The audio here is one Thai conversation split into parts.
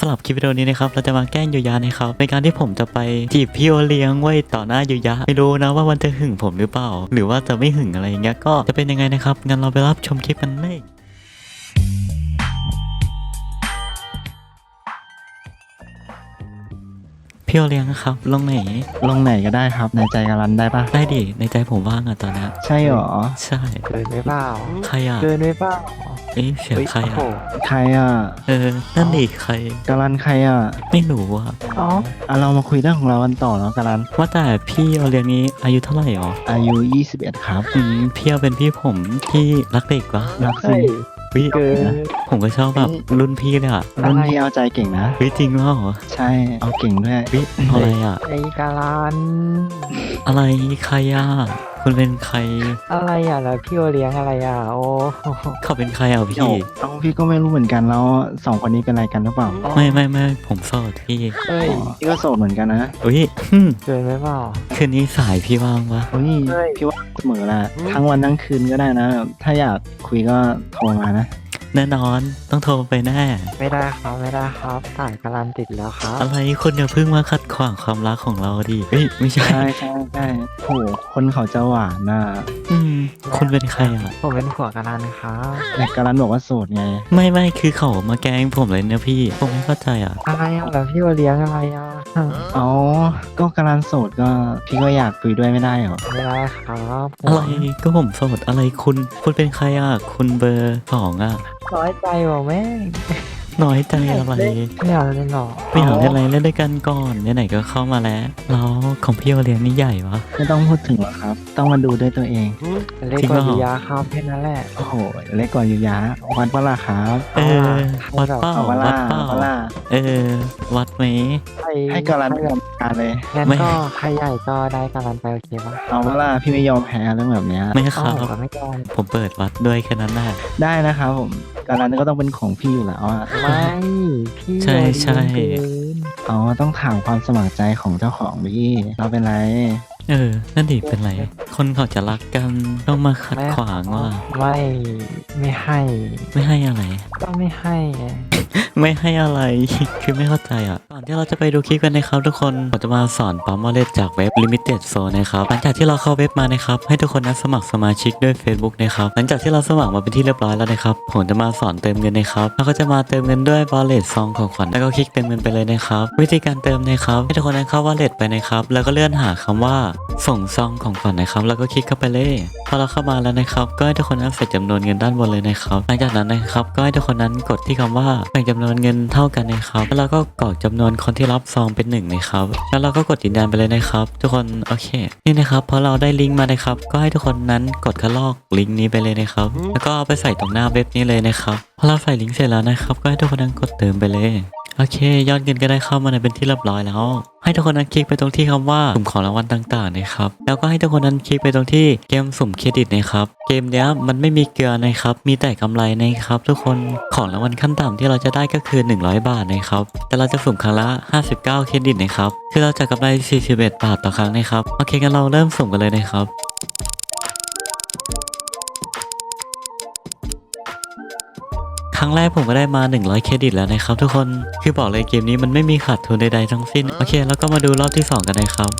สำหรับคลิปวิดีโอนี้นะครับเราจะมาแกล้งยูยะนะครับในการที่ผมจะไปจีบพี่โอเลี้ยงไว้ต่อหน้ายูยะไม่รู้นะว่ามันจะหึงผมหรือเปล่าหรือว่าจะไม่หึงอะไรอย่างเงี้ยก็จะเป็นยังไงนะครับงั้นเราไปรับชมคลิปกันเลยพี่โอเลี้ยงครับลงไหนลงไหนก็ได้ครับในใจกาลันได้ปะได้ดิในใจผมว่างอะตอนนี้ใช่หรอใช่เกินไปเปล่าใครอะเกินไปเปล่าเอ๊ะเสียงใครโอ้อะโหใครอ่ะนั่นดิใครกาลันใครอ่ะไม่รู้อะอ๋อเรามาคุยเรื่องของเรากันต่อแล้วกาลันว่าแต่พี่โอเลี้ยงนี้อายุเท่าไหร่หรออายุ 21 ครับพี่เอาเป็นพี่ผมที่รักเด็กวะรักสิเฮ้ยวิเกินผมก็ชอบแบบรุ่นพี่เลยอะรุ่นพี่เอาใจเก่งนะวิจริงว่าเหรอใช่เอาเก่งด้วยวิอะไรอะไอ้กาลันอะไรใครอะคุณเป็นใครอะไรอ่ะแล้วพี่โอเลี้ยงอะไรอ่ะโอ้เขาเป็นใครอ่ะพี่เอาพี่ก็ไม่รู้เหมือนกันแล้วสองคนนี้เป็นอะไรกันหรือเปล่าไม่ผมโสดพี่เฮ้ยพี่ก็โสดเหมือนกันนะอุ้ยเกินไปเปล่าคืนนี้สายพี่ว่างปะเฮ้ยเฮ้ยพี่ว่าเสมอละทั้งวันทั้งคืนก็ได้นะ ถ้าอยากคุยก็โทรมานะแน่นอนต้องโทรไปแน่ไม่ได้ครับไม่ได้ครับสายกาลันติดแล้วครับอะไรคุณอย่าเพิ่งมาขัดขวางความรักของเราดิเฮ้ยไม่ใช่ใช่โหคนเขาจะหวานน่ะคุณเป็นใครอ่ะผมเป็นผัวกาลันครับแต่กาลันบอกว่าโสดไงไม่คือเขามาแกล้งผมเลยเนี่ยพี่ผมไม่เข้าใจอ่ะอะไรอ่ะแล้วพี่โอเลี้ยงอะไรอ่ะอ๋อ ก็กาลันโสดก็พี่ก็อยากคุยด้วยไม่ได้เหรอไม่ได้ครับอะไรก็ผมโสดอะไรคุณเป็นใครอ่ะคุณเบอร์สองอ่ะน้อยใจว่ะแม่งน้อยใจอะไรไม่อยากเล่นหรอไม่อยากเล่นอะไรเล่นด้วยกันก่อนไหนๆก็เข้ามาแล้วแล้วของพี่โอเลี้ยงนี่ใหญ่วะไม่ต้องพูดถึงหรอกครับ ต้องมาดูด้วยตัวเองเล่นจริงกเหรอว่าดียาครับแค่นั้นแหละโอ้โห เล็กกว่าอยู่ยะวัดเปะล่าครับวัดเป้าเอาเปะวัล่าดเป้าเอาเปะล่าวัดไหมให้กาลันไม่ยอมแพ้เลยงั้นไม่ก็ใครใหญ่ก็ได้กาลันไปโอเคปะเอาเปะล่าพี่ไม่ยอมแพ้เรื่องแบบเนี้ยไม่คเอ้ารับก็ไม่ยอมผมเปิดวัดด้วยแค่นั้นแหละได้นะครับผมกาลันก็ต้องเป็นของพี่อยู่แล้วอะไม่พี่ใช่โดนใช่ยิงเกินเอาต้องถามความสมัครใจของเจ้าของพี่เราเป็นไรนั่นดิเป็นไร คนเขาจะรักกันต้องมาขัดขวางว่าไม่ให้ไม่ให้อะไรก็ไม่ให้ไงไม่ให้อะไร คือไม่เข้าใจอ่ะ ก่อนที่เราจะไปดูคลิปกันนะครับทุกคนผมจะมาสอนปั๊มวอลเล็ตจากเว็บ Limited Zone นะครับหลังจากที่เราเข้าเว็บมานะครับให้ทุกคนนั้นสมัครสมาชิกด้วย Facebook นะครับหลังจากที่เราสมัครมาเป็นที่เรียบร้อยแล้วนะครับผมจะมาสอนเติมเงินนะครับแล้วก็จะมาเติมเงินด้วย Wallet ซองของขวัญแล้วก็คลิกเติมเงินไปเลยนะครับวิธีการเติมนะครับให้ทุกคนนั้นเข้า Wallet ไปนะครับแล้วก็เลื่อนหาคำว่าส่งซองของขวัญนะครับแล้วก็คลิกเข้าไปเลยพอเราเข้ามาแล้วนะครับก็ให้ทุกคนนั้นใส่จำนวนเงินด้านบนเลยนะครับหลังจากนั้นนะครับก็ให้ทุกคนนั้นกดที่คำว่าแบ่งจำนวนเงินเท่ากันนะครับแล้วเราก็กรอกจำนวนคนที่รับซองเป็น1นะครับแล้วเราก็กดยืนยันไปเลยนะครับทุกคนโอเคนี่นะครับพอเราได้ลิงก์มานะครับก็ให้ทุกคนนั้นกดคัดลอกลิงก์นี้ไปเลยนะครับแล้วก็เอาไปใส่ตรงหน้าเว็บนี้เลยนะครับพอเราใส่ลิงก์เสร็จแล้วนะครับก็ให้ทุกคนนั้นกดเติมไปเลยโอเคยอดเงินก็ได้เข้ามาในเป็นที่เรียบร้อยแล้ว ให้ทุกคนนั้นคลิกไปตรงที่คำว่าสุ่มของรางวัลต่างๆนะครับแล้วก็ให้ทุกคนนั้นคลิกไปตรงที่เกมสุ่มเครดิตนะครับเกมเนี้ยมันไม่มีเกลือนะครับมีแต่กำไรนะครับทุกคนของรางวัลขั้นต่ำที่เราจะได้ก็คือ100 บาทนะครับแต่เราจะสุ่มครั้งละ59เครดิตนะครับคือเราจะกำไร41 บาทต่อครั้งนะครับโอเคงั้นเราเริ่มสุ่มกันเลยนะครับครั้งแรกผมก็ได้มา100เครดิตแล้วนะครับทุกคนคือบอกเลยเกมนี้มันไม่มีขาดทุนใดๆทั้งสิ้นโอเคแล้วก็มาดูรอบที่2กันนะครับ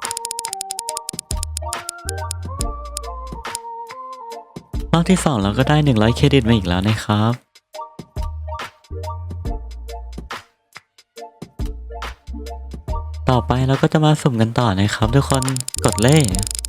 รอบที่2เราก็ได้100เครดิตมาอีกแล้วนะครับต่อไปเราก็จะมาสุ่มกันต่อนะครับทุกคนกดเลย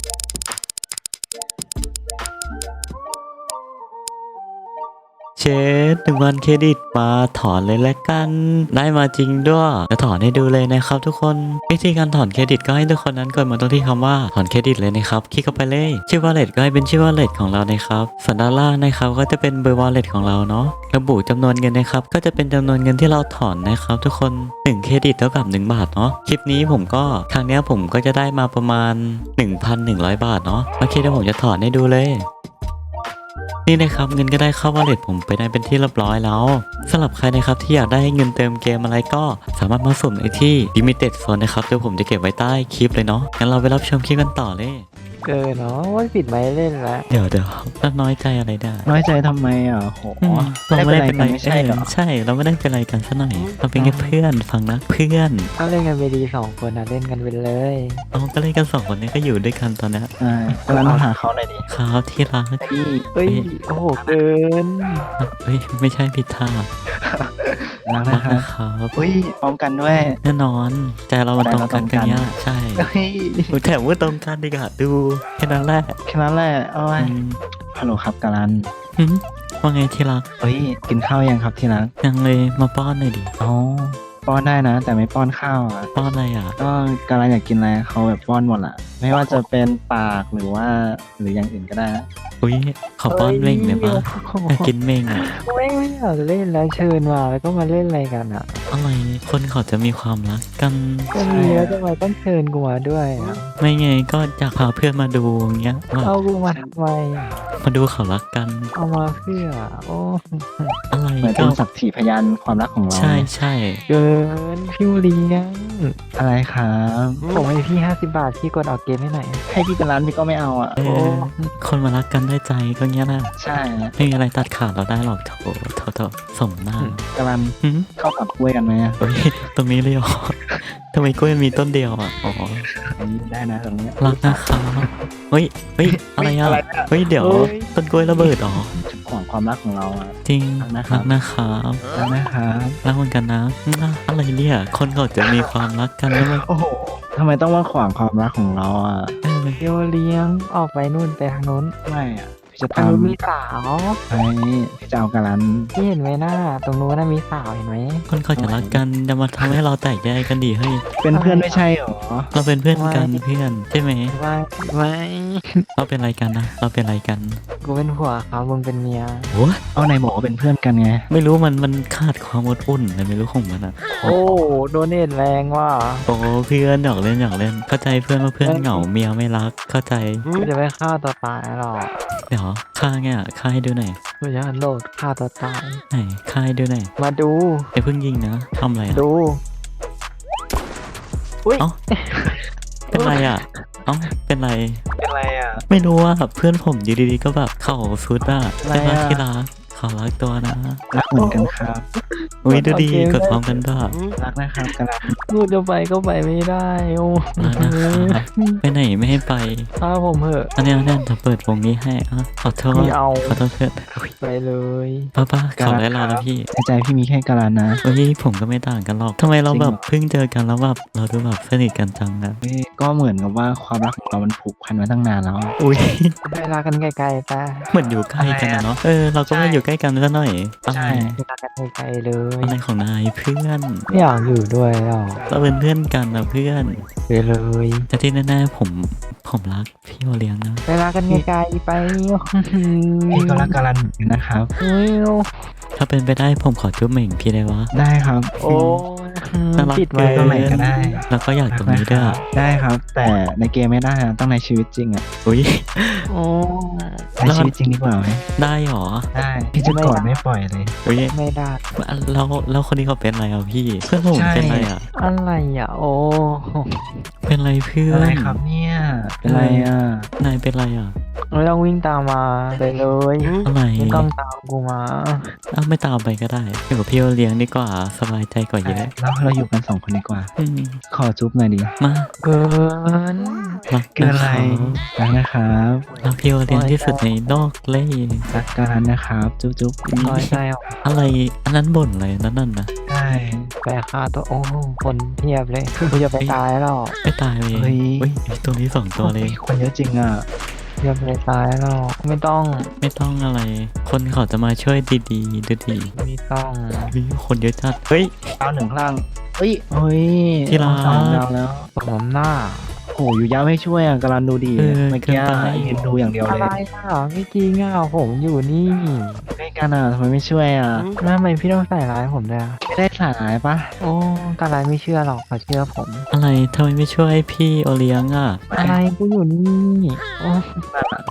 เชด1,000เครดิตมาถอนเลยแล้วกันได้มาจริงด้วยจะถอนให้ดูเลยนะครับทุกคนวิธีการถอนเครดิตก็ให้ทุกคนนั้นกดมาตรงที่คำว่าถอนเครดิตเลยนะครับคลิกเข้าไปเลยชื่อ wallet ก็ให้เป็นชื่อ wallet ของเรานะครับส่วนด้านล่างนะครับก็จะเป็นเบอร์ wallet ของเราเนาะระบุจำนวนเงินนะครับก็จะเป็นจำนวนเงินที่เราถอนนะครับทุกคน1เครดิตเท่ากับ1 บาทเนาะคลิปนี้ผมก็ครั้งนี้ผมก็จะได้มาประมาณ 1,100 บาทเนาะโอเคเดี๋ยวผมจะถอนให้ดูเลยนี่นะครับเงินก็ได้เข้าวอลเล็ตผมไปได้เป็นที่เรียบร้อยแล้วสำหรับใครนะครับที่อยากได้เงินเติมเกมอะไรก็สามารถมาสุ่มในที่ Limited Zone นะครับเดี๋ยวผมจะเก็บไว้ใต้คลิปเลยเนาะงั้นเราไปรับชมคลิปกันต่อเลยเกินเนาะว่าปิดไม้เล่นแล้วเดี๋ยวแล้วน้อยใจอะไรได้น้อยใจทำไมอ่ะโหเราไม่ได้เป็นไรไม่ใช่เหรอใช่เราไม่ได้เป็นไรกันซะหน่อยเราเป็นแค่เพื่อนฟังนะเพื่อนถ้าเล่นกันไปดี2 คนนะเล่นกันไปเลยเราก็เล่นกัน2 คนนี้ก็อยู่ด้วยกันตอนนี้ใช่กำลังหาเขาหน่อยดิครับที่รักพี่เฮ้ยโอ้โหเกินเฮ้ยไม่ใช่ผิดท่ารักรันะกคะนะครับอุ้ยพร้อมกันด้วยแน่นอนใจเรามันตรงกันกันเนี้ยใช่เฮ้ยแถมว่าตรงกันดีกว่าดูแค่นั้นแหละแค่นั้นแหละโอ้ยอืมฮัลโหลครับกาลันหืมว่าไงที่รักเฮ้ยกินข้าวยังครับที่รักยังเลยมาป้อนหน่อยดิอ๋อป้อนได้นะ แต่ไม่ป้อนข้าวอ่ะป้อนอะไรอ่ะก็กาลันอยากกินอะไรเขาแบบป้อนหมดอ่ะ ไม่ว่าจะเป็นปากหรือว่าหรืออย่างอื่นก็ได้นะอุ้ยขอป้อนเม่งเลยปะอยากกินเม่งอ่ะไม่อยากเล่นแล้วเชิญมาแล้วก็มาเล่นอะไรกันอ่ะอะไรคนเขาจะมีความรักกันก็มีแล้วทำไมต้องเชิญกูมาด้วยอะไม่ไงก็อยากพาเพื่อนมาดูอย่างเงี้ยว่าเอากูมาทำไมอะมาดูเขารักกันเอามาเพื่อโอ้อะไรเหมือนก็เป็นสักขีพยานความรักของเราใช่ใช่เกินพี่เลี้ยงอะไรครับผมให้พี่50 บาทพี่กดออกเกมให้หน่อยให้พี่กาลันพี่ก็ไม่เอาอ่ะเออคนมารักกันด้วยใจก็เงี้ยนะใช่ไม่มีอะไรตัดขาดเราได้หรอกโถสมหน้ากาลันหืมเข้ากับกล้วยกันไหมอะเฮ้ยตรงนี้เลยเหรอทำไมกล้วยมีต้นเดียวอ่ะอ๋ออันนี้ได้นะตรงเนี้ยรักนะครับเฮ้ยอะไรอ่ะอะไรอะเฮ้ยเดี๋ยวต้นกล้วยระเบิดเหรอขวางความรักของเราอ่ะจริงรักนะครับรักนะครับรักนะครับรักเหมือนกันนะอะไรเนี่ยคนเขาจะมีความรักกันแล้วมันโอ้โหทำไมต้องมาขวางความรักของเราอ่ะเออพี่เลี้ยงออกไปนู่นไปทางนู้นไม่อ่ะพี่จะทางทำนู้นมีสาวไปพี่จะเอากาลันพี่เห็นไหมหน้าตรงนู้นน่ะมีสาวเห็นไหมคนเขาจะรักกันจะมาทำให้เราแตกแยกกันดีเฮ้ยเป็นเพื่อนไม่ใช่หรอเราเป็นเพื่อนกันเพื่อนใช่ไหมไม่เราเป็นอะไรกันนะเราเป็นอะไรกันกูเป็นผัวเขามึงเป็นเมียโอ้เอาไหนบอกว่าเป็นเพื่อนกันไงไม่รู้มันขาดความอดอุ่นเลยไม่รู้ของมันอ่ะโอ้โดนเนตแรงว่ะโอ้เพื่อนหยอกเล่นเข้าใจเพื่อนว่าเพื่อนเหงาเมียไม่รักเข้าใจกูจะไปฆ่าตัวตายหรอกเดี๋ยวฆ่าไงอ่ะฆ่าให้ดูหน่อยกูจะโดดฆ่าตัวตายไหนฆ่าให้ดูหน่อยมาดูไอ้เพิ่งยิงนะทำอะไรอ่ะดูอุ้ยเอ้า เป็นไรอ่ะเอ้าเป็นไรเป็นไรอ่ะไม่รู้ว่าเพื่อนผมอยู่ดีๆก็แบบเข่าซุดอ่ะอะไรใช่ไหมอะที่รักขอรักตัวนะรักเหมือนกันครับอุ้ยดูดีกดพร้อมกันด้วยรักนะครับกาลันกูจะไปก็ไปไม่ได้โอ้รักนะครับไปไหนไม่ให้ไปฆ่าผมเหอะอันนี้จะเปิดวงนี้ให้อ่ะขอโทษไม่เอาขอโทษเพื่อนอุ๊ยไปเลยป้าขอไว้รอแล้วพี่ในใจพี่มีแค่กาลันนะเฮ้ยผมก็ไม่ต่างกันหรอกทำไมเราแบบเพิ่งเจอกันแล้วแบบเราดูแบบสนิทกันจังนะเว้ยก็เหมือนกับว่าความรักของเรามันผูกพันมาตั้งนานแล้วอุ้ยไปลากันไกลๆไปเหมือนอยู่ใกล้กันนะเนาะเราก็ไม่อยู่ใกล้กันซะหน่อยอะไรใช่ไปลากันไกลๆเลยอะไรของนายเพื่อนไม่อยากอยู่ด้วยหรอกเราเป็นเพื่อนกันนะเพื่อนไปเลยแต่ที่แน่ๆผมรักพี่โอเลี้ยงนะไปลากันไกลๆไปพี่ก็รักกาลันเหมือนกันนะครับอุ้ยถ้าเป็นไปได้ผมขอจุ๊บเหม่งพี่ได้วะได้ครับโอ้น่ารักปิดไว้เกิตรงไหนก็ได้แล้วก็อยากตรงนี้ด้วยได้ครับ แต่ในเกมไม่ได้นะต้องในชีวิตจริงอ่ะอุ้ยโอ้ในชีวิตจริงดีกว่าไหมได้หรอได้พี่จะกอดไม่ปล่อยเลยอุ้ยไม่ได้แล้วคนนี้เขาเป็นอะไรอ่ะพี่เพื่อนผมใช่เป็นอะไรอ่ะอะไรอ่ะโอ้เป็นอะไรเพื่อนอะไรครับเนี่ยเป็นไรอ่ะนายเป็นอะไรอ่ะไม่ต้องวิ่งตามมาไปเลยอะไรไม่ต้องตามกูมาไม่ตามไปก็ได้อยู่กับพี่โอเลี้ยงดีกว่าสบายใจกว่าเยอะแล้วเราอยู่กันสองคนดีกว่าอืมขอจุ๊บหน่อยดิมาเกินรักเกินอะไรรักนะครับรักพี่โอเลี้ยงที่สุดในโลกเลยรักกาลันนะครับ จุ๊บจุ๊บน้อยใจออกอะไรอันนั้นบ่นอะไรนั่นน่ะได้ไปฆ่าตัวโอ้คนเพียบเลยกูจะไปตายแล้วไม่ตายเลยเฮ้ยตัวนี้2ตัวเลยคนเยอะจริงอ่ะจะไปตายแล้วไม่ต้องไม่ต้องอะไร คนเขาจะมาช่วยดีๆดูดีไม่ต้องเฮ้ยคนเยอะจัดเฮ้ยดาวหนึ่งข้างล่างเฮ้ยเฮ้ยที่รักสามดาวแล้วสมหน้าโอ้อยู่ยาวไม่ช่วยอ่ะกาลันดูดีเออเมื่อกี้เกินไปยืนดูอย่างเดียวอะเลไรยอ่ะไม่จริงอ่ะผมอยู่นี่ใกล้กันอ่ะทำไมไม่ช่วยอ่ะแล้วทำไมพี่ต้องใส่ร้ายผมด้วยอะไม่ได้สายปะโอ้กาไรไม่เชื่อหรอกเขาเชื่อผมอะไรทำไมไม่ช่วยพี่โอเลี้ยงอ่ะอะไรกูอยู่นี่โอ้ส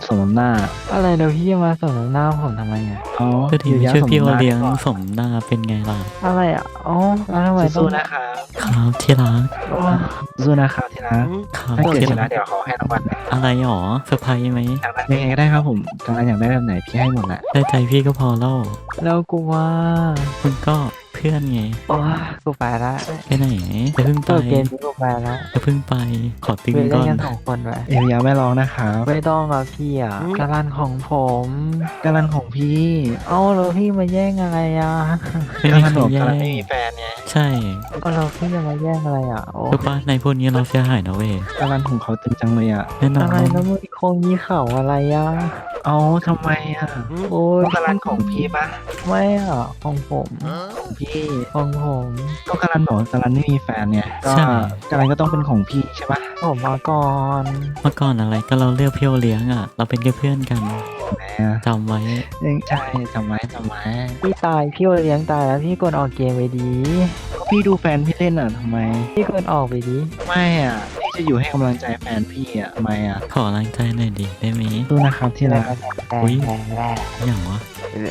สมน้ำหน้าอะไรเดี๋ยวพี่จะมาสนหน้าผมทำไมอ่ะอ๋อก็ทีไม่ช่วยพี่โอเลี้ยงก่อนสมหน้าเป็นไงล่ะอะไรอ่ะอ๋อแล้วทำไมต้อสู้งๆนะครับครับที่รักโอ้สู้ๆนะครับที่รักครับถ้าเกิดที่ชรันะกเดี๋ยวเขาให้รางวัลนะอะไรหรอเซอร์ไพรส์ไหมอยากได้ยังไงก็ได้ครับผมกำลังอยากได้แบบไหนพี่ให้หมดแหละได้ใจพี่ก็พอแล้วแล้วกูว่าคุณก็เพื่อนไงโอ้กูไปละไปไหนจะเพิ่งไปตัวเกมนี้กูไปละจะเพิ่งไปขอตึงไปเล่ก่นอนกัน2 คนไปเอวยาไม่ร้องนะครับไม่ต้องอ่ะพี่อ่ะกาลันของผมกาลันของพี่เอ้าแล้วพี่มาแย่งอะไรอ่ะไม่กามีลันใครบอกแย่กาลันงไม่มีแฟนไงใช่เอ้าแล้วพี่จะมาแย่งอะไรอ่ะโอ้รู้ปะในพวกนี้เราเสียหายนะเว้ยกาลันของเขาตึงจังเลยอ่ะแน่นออะไรนแล้วมึงคงมีเข่าอะไรอ่ะเอาทำไมอ่ะโอ้ยก็กาลันของพี่ปะไม่อ่ะของผมของพี่ของผมก็กาลันบอกว่ากาลันไม่มีแฟนไงก็กาลันก็ต้องเป็นของพี่ใช่ปะผมมาก่อนเมื่อก่อนอะไรก็เราเลือกพี่โอเลี้ยงอ่ะ เราเป็นแค่เพื่อนกันแหมอ่ะจำไว้ใช่จำไว้จำไว้พี่ตายพี่โอเลี้ยงตายแล้วพี่กดออกเกมไปดีก็พี่ดูแฟนพี่เล่นอ่ะทำไมพี่กดออกไปดีไม่อ่ะพี่จะอยู่ให้กำลังใจแฟนพี่อ่ะทำไมอ่ะขอแรงใจหน่อยดิได้ไหมสู้นะครับที่รักอุ๊ยแรกอย่างวะ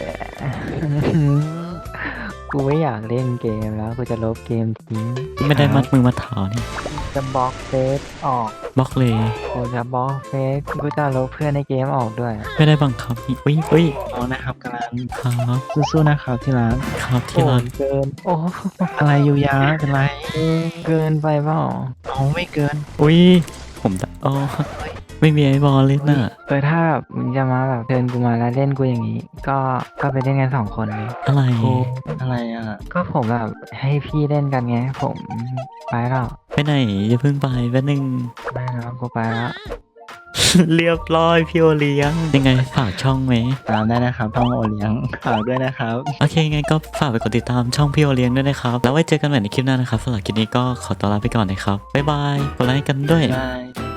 กูไม่อยากเล่นเกมแล้วกูจะลบเกมทิ้งไม่ได้มัดมือมัดเท้านี่จะบล็อกเฟซออกบล็อกเลยกูจะบล็อกเฟซกูจะลบเพื่อนในเกมออกด้วยไม่ได้บังคับนี่อุ้ยอุ้ยเอานะครับกาลันครับสู้ๆนะครับที่รักครับที่โอ้รักเกิน โอ้อะไรยูยาเป็นไรเกินไปเปล่าเอาไม่เกินอุ้ยผมตะอ๋อไม่มีไอ้บอลเล่นน่ะถ้าแบบมึงจะมาแบบเชิญกูมาแล้วเล่นกูอย่างนี้ ก็ไปเล่นกัน2 คนเลยอะไรกูอะไรอ่ะก็ผมแบบให้พี่เล่นกันไง ผมไปแล้วไปไหนอย่าเพิ่งไปแป๊บนึงไม่แล้วกูไปแล้วเรียบร้อยพี่โอเลี้ยงยังไงฝากช่องไหมตามได้นะครับท่องโอเลี้ยงฝากด้วยนะครับโอเคไงก็ฝากไปกดติดตามช่องพี่โอเลี้ยงด้วยนะครับ แล้วไว้เจอกันใหม่ในคลิปหน้านะครับสำหรับคลิปนี้ก็ขอตัวลาไปก่อนนะครับบ๊ายบายกดไลค์กันด้วยบาย